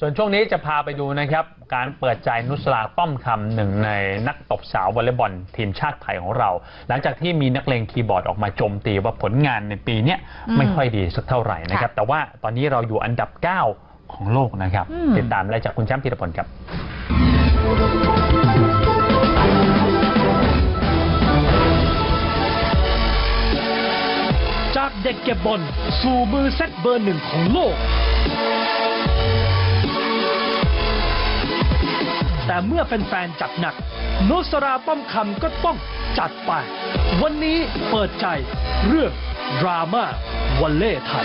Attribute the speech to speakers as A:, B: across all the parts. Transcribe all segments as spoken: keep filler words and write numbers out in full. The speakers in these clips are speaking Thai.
A: ส่วนช่วงนี้จะพาไปดูนะครับการเปิดใจนุสราป้อมคำหนึ่งในนักตบสาววอลเลย์บอลทีมชาติไทยของเราหลังจากที่มีนักเลงคีย์บอร์ดออกมาโจมตีว่าผลงานในปีนี้ไม่ค่อยดีสักเท่าไหร่นะครับแต่ว่าตอนนี้เราอยู่อันดับเก้าของโลกนะครับติดตามได้จากคุณแชมป์ธีรพลครับ
B: จากเด็กเก็บบอลสู่มือเซตเบอร์หนึ่งของโลกแต่เมื่อเป็นแฟนจัดหนักนุสราป้อมคำก็ต้องจัดไปวันนี้เปิดใจเรื่องดราม่าวอลเลย์ไทย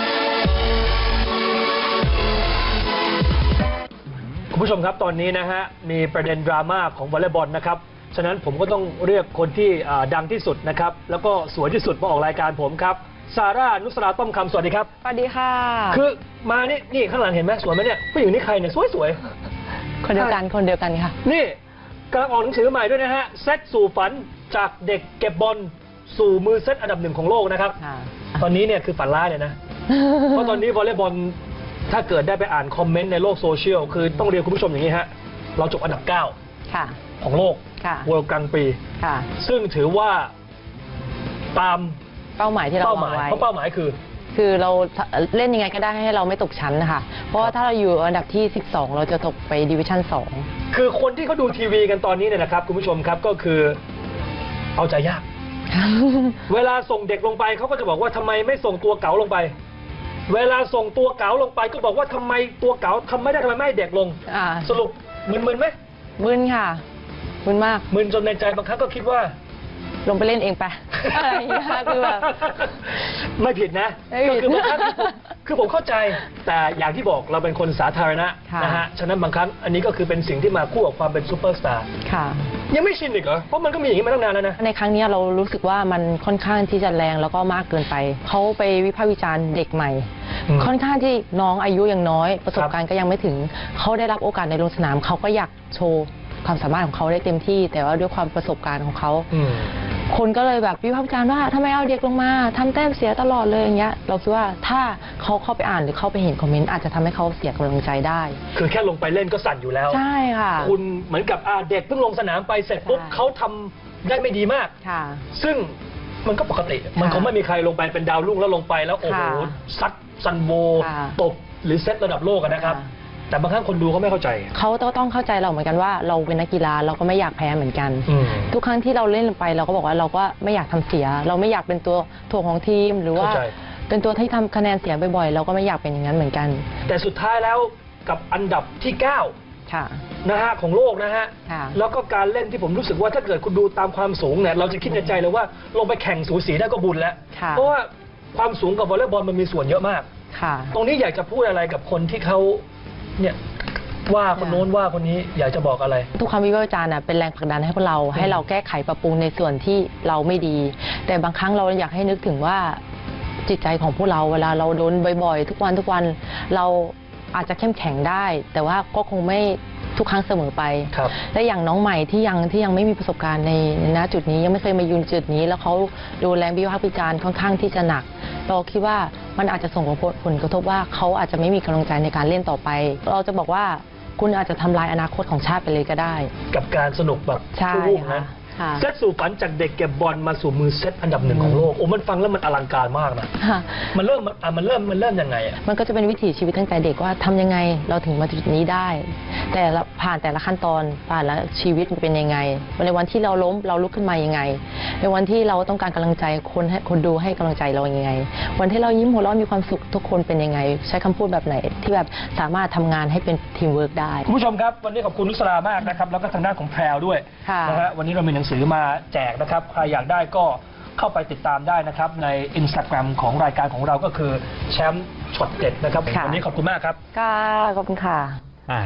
B: คุณผู้ชมครับตอนนี้นะฮะมีประเด็นดราม่าของวอลเลย์บอลนะครับฉะนั้นผมก็ต้องเรียกคนที่ดังที่สุดนะครับแล้วก็สวยที่สุดมาออกรายการผมครับซาร่านุสราป้อมคำสวัสดีครับ
C: สวัสดีค่ะ
B: คือมานี่นี่ข้างหลังเห็นไหมสวยไหมเนี่ยผู้หญิงนี่ใครเนี่ยสวยสวย
C: คนเดียวกันคนเดียวกันค่ะ
B: นี่กำลังออกหนังสือใหม่ด้วยนะฮะเซตสู่ฝันจากเด็กเก็บบอลสู่มือเซตอันดับหนึ่งของโลกนะครับตอนนี้เนี่ยคือฝันร้ายเลยนะเพราะตอนนี้วอลเลย์บอลถ้าเกิดได้ไปอ่านคอมเมนต์ในโลกโซเชียลคือต้องเรียนคุณผู้ชมอย่างนี้ฮะเราจบอันดับเก้าของโลกเวิลด์กลางปีซึ่งถือว่าตาม
C: เป้าหมายที่เรา
B: เป้าหมายเพราะเป้าหมายคือ
C: คือเราเล่นยังไงก็ได้ให้เราไม่ตกชั้นนะคะเพราะว่าถ้าเราอยู่อันดับที่สิบสองเราจะตกไปดิวิชั่นสอง
B: คือคนที่เขาดูทีวีกันตอนนี้เนี่ยนะครับคุณผู้ชมครับก็คือเอาใจยากเวลาส่งเด็กลงไปเขาก็จะบอกว่าทำไมไม่ส่งตัวเก๋าลงไปเวลาส่งตัวเก๋าลงไปก็บอกว่าทำไมตัวเก๋าทำไม่ได้ทำไมไม่ให้เด็กลงสรุปมึนๆไหม
C: มึนค่ะมึนมาก
B: มึนจนในใจบางครั้งก็คิดว่า
C: ลงไปเล่นเองไปอะไรอย่างเงี้ยคือแบบ
B: ไม่ผิดนะก็คือบางครั้งคือผมเข้าใจแต่อย่างที่บอกเราเป็นคนสาธารณะนะฮะฉะนั้นบางครั้งอันนี้ก็คือเป็นสิ่งที่มาคู่กับความเป็นซูเปอร์สตาร์ยังไม่ชินอีกเหรอเพราะมันก็มีอย่างนี้มาตั้งนานแล้วนะ
C: ในครั้งนี้เรารู้สึกว่ามันค่อนข้างที่จะแรงแล้วก็มากเกินไปเขาไปวิพากษ์วิจารณ์เด็กใหม่ค่อนข้างที่น้องอายุยังน้อยประสบการณ์ก็ยังไม่ถึงเขาได้รับโอกาสในลงสนามเขาก็อยากโชว์ความสามารถของเขาได้เต็มที่แต่ว่าด้วยความประสบการณ์ของเขาคนก็เลยแบบวิพากษ์วิจารณ์ว่าทำไมเอาเด็กลงมาทำแต้มเสียตลอดเลยอย่างเงี้ยเราคิดว่าถ้าเขาเข้าไปอ่านหรือเข้าไปเห็นคอมเมนต์อาจจะทำให้เขาเสียกำลังใจได้
B: คือแค่ลงไปเล่นก็สั่นอยู่แล้ว
C: ใช่ค่ะ
B: คุณเหมือนกับเด็กเพิ่งลงสนามไปเสร็จปุ๊บเขาทำได้ไม่ดีมาก
C: ค่ะ
B: ซึ่งมันก็ปกติมันคงไม่มีใครลงไปเป็นดาวรุ่งแล้วลงไปแล้วโอ้โหซัดซันโบตบหรือเซตระดับโลกนะครับแต่บางครั้งคนดูเขาไม่เข้าใจ
C: เขาต้องเข้าใจเราเหมือนกันว่าเราเป็นนักกีฬาเราก็ไม่อยากแพ้เหมือนกันทุกครั้งที่เราเล่นลงไปเราก็บอกว่าเราก็ไม่อยากทำเสียเราไม่อยากเป็นตัวถ่วงของทีมหรือว่าเป็นตัวที่ทำคะแนนเสียบ่อยๆเราก็ไม่อยากเป็นอย่างนั้นเหมือนกัน
B: แต่สุดท้ายแล้วกับอันดับที่เก้านะฮะของโลกนะฮะแล้วก็การเล่นที่ผมรู้สึกว่าถ้าเกิดคุณดูตามความสูงเนี่ยเราจะคิดในใจเลยว่าลงไปแข่งสูสีได้ก็บุญแล้วเพราะว่าความสูงกับวอลเลย์บอลมันมีส่วนเยอะมากตรงนี้อยากจะพูดอะไรกับคนที่เขาเนี่ยว่าคนโน้นว่าคนนี้อยากจะบอกอะไร
C: ทุกคำวิพากษ์วิจารณ์เป็นแรงผลักดันให้พวกเราให้เราแก้ไขปรับปรุงในส่วนที่เราไม่ดีแต่บางครั้งเราอยากให้นึกถึงว่าจิตใจของพวกเราเวลาเราโดนบ่อยๆทุกวันทุกวันเราอาจจะเข้มแข็งได้แต่ว่าก็คงไม่ทุกครั้งเสมอไปและอย่างน้องใหม่ที่ยังที่ยังไม่มีประสบการณ์ในณจุดนี้ยังไม่เคยมายืนจุดนี้แล้วเขาโดนแรงวิพากษ์วิจารณ์ค่อนข้างที่จะหนักเราคิดว่ามันอาจจะส่งผลกระทบว่าเขาอาจจะไม่มีกำลังใจในการเล่นต่อไปเราจะบอกว่าคุณอาจจะทำลายอนาคตของชาติไปเลยก็ได้
B: กับการสนุกแบบคู่นะเซตสู่ฝันจากเด็กเก็บบอลมาสู่มือเซตอันดับหนึ่งของโลกโอ้มันฟังแล้วมันอลังการมากนะมันเริ่มมันมันเริ่มมันเริ่มยังไงอ่ะ
C: มันก็จะเป็นวิถีชีวิตตั้งแต่เด็กว่าทำยังไงเราถึงมาจุดนี้ได้แต่ละผ่านแต่ละขั้นตอนผ่านแล้วชีวิตมันเป็นยังไงในวันที่เราล้มเราลุกขึ้นมายังไงในวันที่เราต้องการกำลังใจคนให้คนดูให้กำลังใจเรายังไงวันที่เรายิ้มหัวเราะมีความสุขทุกคนเป็นยังไงใช้คำพูดแบบไหนที่แบบสามารถทำงานให้เป็นทีมเวิร์กได้
B: คุณผู้ชมครับวันนี้ขอบคุณนุสรามากนะครับแล้วก็ทางด้านของแพรวด้วยนะฮะวันนี้เรามีหนังสือมาแจกนะครับใครอยากได้ก็เข้าไปติดตามได้นะครับใน Instagram ของรายการของเราก็คือแชมป์ช็อตเด็ดนะครับวันนี้ขอบคุณมากครับ
C: ค่ะขอบคุณค่ะ